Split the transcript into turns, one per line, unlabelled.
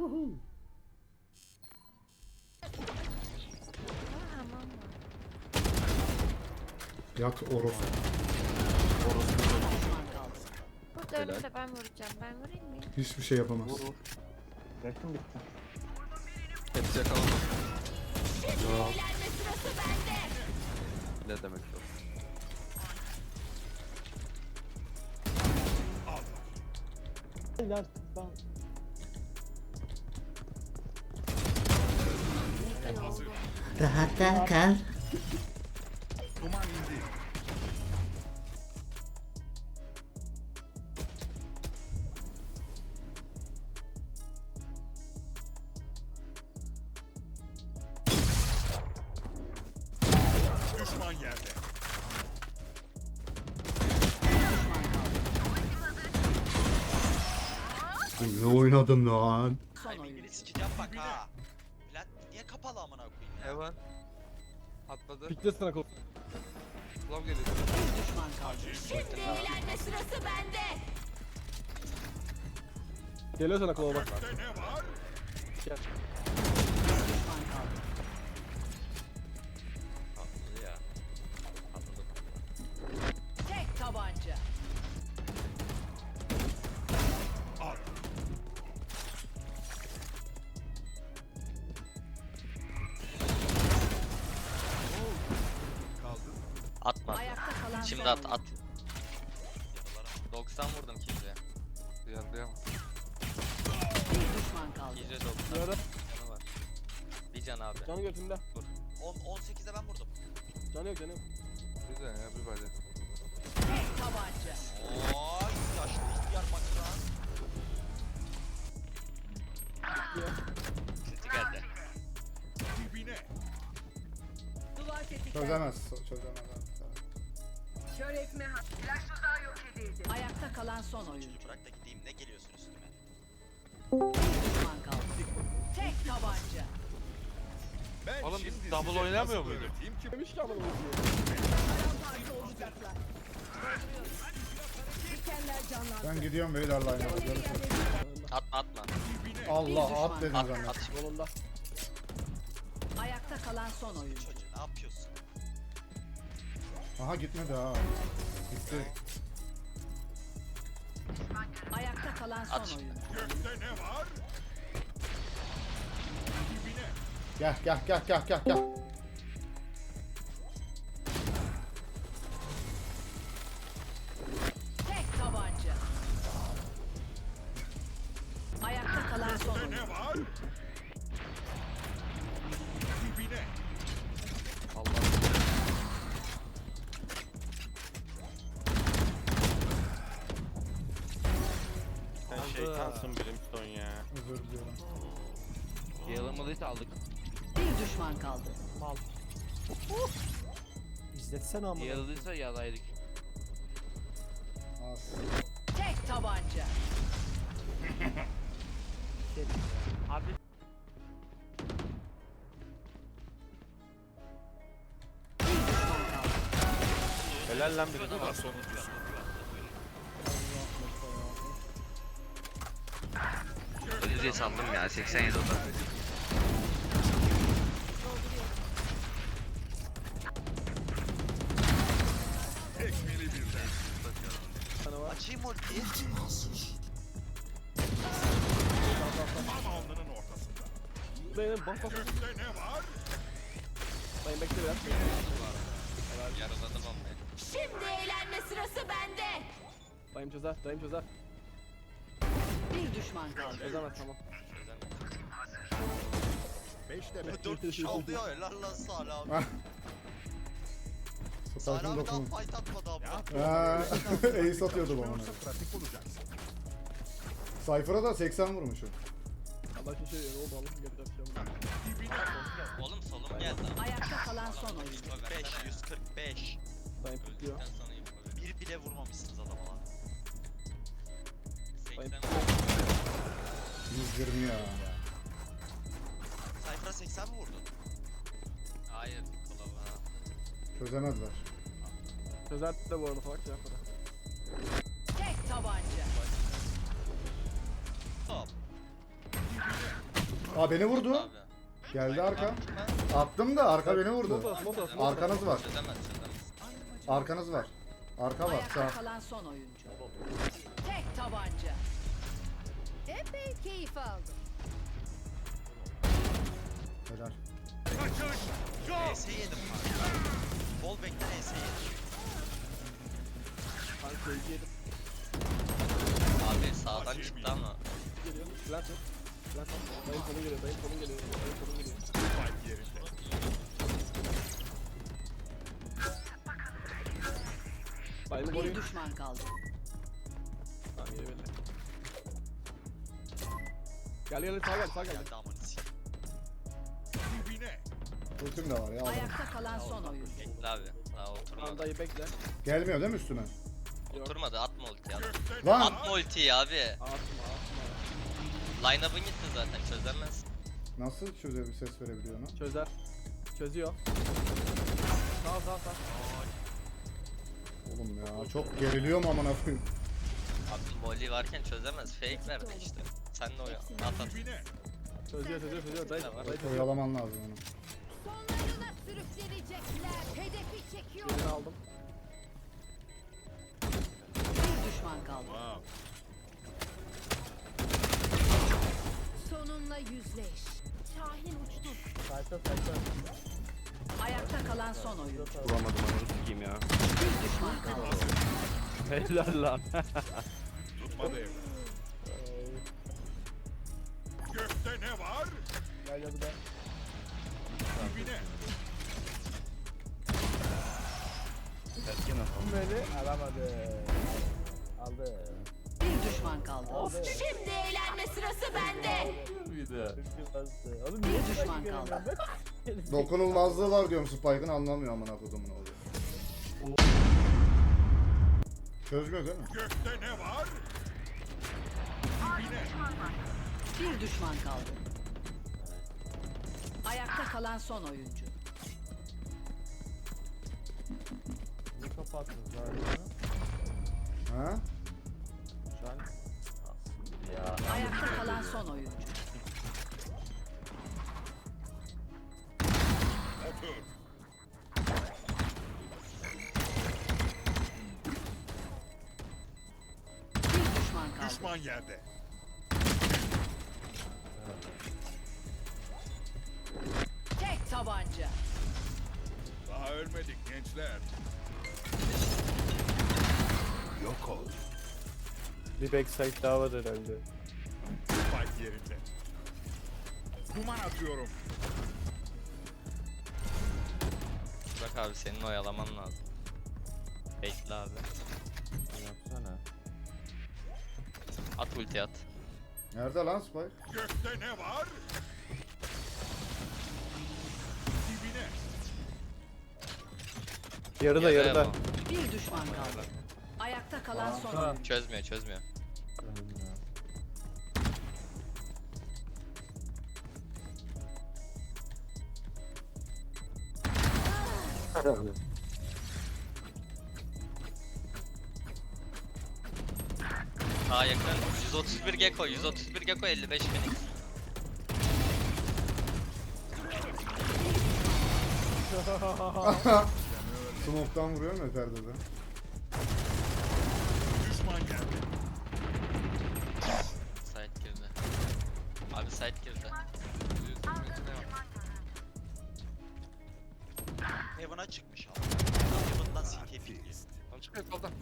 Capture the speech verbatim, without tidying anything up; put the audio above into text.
Yat orospu.
Burada önümde ben vuracağım. Ben vurayım mı?
Hiçbir şey yapamaz.
Vur vur. Yakın bitti.
Hepsi yakalandı.
Eğlenme sırası bende.
Ne demek o?
Beyler ben
Rahatta kal.
Düşman yerde.
Ne oynadım lan?
Timing'ini sikeceğim bak ha. Plat niye kapalı amına koyayım ya?
Heaven. Atladı.
pikle sana kol.
Love geliyor.
Şimdi eğlenme sırası bende.
Geliyor sana kola bak.
Gökte ne var?
Gel.
Atladı ya. Atladım.
Tek tabanca.
Al. Kaldı.
Atma.
Ayakta kalan
Şimdi
son
at
oyuncu.
at. doksan vurdum kimseye.
Yarlayamam.
Bir düşman kaldı.
yüz doksan.
Yara.
Canı var. Bir can abi.
Canı götünde.
on on sekizde ben vurdum.
Canı yok canı yok.
Güzel ya bir böyle.
Tek tabanca.
Oy yaşlı ihtiyar makran. Sesi geldi.
Dibine.
Duvar tetiklendi.
Çözemez. Çözemez.
Kör etme. Flash tuzağı yok edildi. Ayakta kalan son oyuncu.
Çocuğu bırak da gideyim ne geliyorsun üstüme?
Bir düşman kaldı. Tek tabanca.
Ben
Oğlum biz
şimdi
double
size
oynamıyor
nasıl
muyduk?
öğreteyim ki?
Demiş ki amına koyayım.
Paramparça olacaklar. Dikenler canlandı.
Ben gidiyorum beyler line'a. Görüşürüz.
Atma atma.
Dibine.
Allah at dedim
At
zannettim.
at.
Yolunda.
Ayakta kalan son oyuncu.
Çocuğu ne yapıyorsun?
Aha gitmedi ha. Gitti.
Ayakta kalan son
At.
oyuncu.
Gökte ne var? Dibine.
Gel gel gel gel gel gel.
Tek tabanca. Ayakta kalan son
Gökte
oyuncu.
ne var? Dibine.
Allah.
Sen şeytansın Brimstone ya.
Özür diliyorum.
Yalamalıysa aldık.
Bir düşman kaldı.
İzletsene amına.
Yaladıysa yalaydık.
Az.
Tek tabanca.
Abi
Bir düşman kaldı.
helal lan biri.
Daha sonuncusu.
Ölücüye sandım ya seksen yedi oda.
Tekmeli birden.
Açayım ultiyi.
Tam alnının ortasında.
Benim bak bak.
Gökte ne var?
Dayım bekle biraz.
Yaraladım onu.
Şimdi eğlenme sırası bende.
Dayım çözer. Dayım çözer.
Bir düşman kaldı.
Çözemez tamam.
Beşte beş.
dört kişi aldı ya helal lan Salih abi.
Ah.
Salih
Sakın
abi daha
dokunun.
fight atmadı abi.
Haa. Ace atıyordu bana.
Yoksa pratik olacaksın.
Cypher'a da seksen vurmuşum.
Allah için şey ne oldu oğlum? Gel bir şey yapalım.
Dibine.
Oğlum solum geldi.
Ayakta kalan son oyuncu.
yüz kırk beş yüz kırk beş.
Dayım pikliyor.
Bir bile vurmamışsınız adama lan.
Dayım
yüz yirmi ya.
Cypher'a seksen mi vurdun? Hayır, kolaba.
Çözemezler.
Çözer de bu arada salak şey yapmadı.
Tek tabanca.
Hop.
Dibine.
Aa beni vurdu.
Abi.
Geldi arka.
Attım ben.
Attım da arka beni vurdu.
Smoke smoke smoke.
Arkanız var.
Çözemez çözemez.
Arkanız var. Arka var.
Ayakta
Sağ.
kalan son oyuncu. Tek tabanca.
Epey keyif aldım.
Helal.
Kaçış. Go.
E S yedim kanka. Bol beklen E S yedim.
Kanka seyirci yedim.
Abi sağdan çıktı ama.
Geliyor. Plant yok. Plant yok. Dayım kolun geliyor. Dayım kolun geliyor. Dayım kolun geliyor.
Spike yerinde.
Dayımı
Bir
koruyun.
düşman kaldı.
Tamam yeri belli. Gel gel sağ gel sağ gel.
Geldi aman sikeyim.
Dibine.
Ultim de var ya.
Ayakta kalan son oyuncu.
Bekle abi. Daha
Tamam
oturmadı.
dayı bekle.
Gelmiyor değil mi üstüme?
Oturmadı atma ultiyi at.
Gökte
Lan!
Atma ultiyi abi.
Atma atma.
Line-up'ın gitti zaten çözemez.
Nasıl çöze bir ses verebiliyor lan?
Çözer. Çözüyor. Sağ sağ sağ.
Oğlum ya çok geriliyorum amına koyayım.
Abi volley varken çözemez. Fake verdi işte. Sen de oya. At at.
dibine.
Çözüyor çözüyor çözüyor. Dayı
Tamam.
dayı çözüyor.
Oyalaman lazım onu.
Sonlarına sürüklenecekler. Hedefi çekiyor.
Birini aldım.
Bir düşman kaldı.
Wow.
Sonunla yüzleş. Şahin uçtu.
Sayfa sayfa.
Ayakta kalan son oyuncu.
Vuramadım onu sikeyim ya.
Bir düşman kaldı.
Helal lan.
Tutma devre. Gökte ne var?
Gel gel gel.
Dibine.
Terkin atalım.
Beni alamadı. Aldı.
Bir düşman kaldı.
Şimdi eğlenme sırası bende.
Oğlum
Bir düşman kaldı.
Dokunulmazlığı var diyorum Spike'ın anlamıyor amına kodumun oğlu. Çözmüyor değil mi?
Gökte ne var? Dibine.
Bir düşman kaldı. Ayakta kalan son oyuncu.
Ne kapattınız abi?
Ha?
Şu an ya
Ayakta kalan son oyuncu.
Otur.
Bir düşman kaldı.
Düşman yerde.
Tek tabanca.
Daha ölmedik gençler. Yok ol.
bir backside daha var herhalde.
Spike yerinde. Duman atıyorum.
Bak abi senin oyalaman lazım. Bekle abi.
Yapsana.
At ulti at.
Nerede lan Spike?
Gökte ne var? Dibine.
Yarıda
Yarıya
yarıda.
mı?
Bir düşman kaldı. Ayakta kalan son
Aa.
oyuncu.
Çözmüyor çözmüyor. Daha yakın. yüz otuz bir Gecko, yüz otuz bir Gecko, elli beş Phoenix.
Smoke'tan vuruyorum ya perdede.
Düşman yerde.
Side girdi. Abi side girdi.
Heaven'a çıkmış abi. Heaven'dan C T P.
Lan çıkıyor soldan.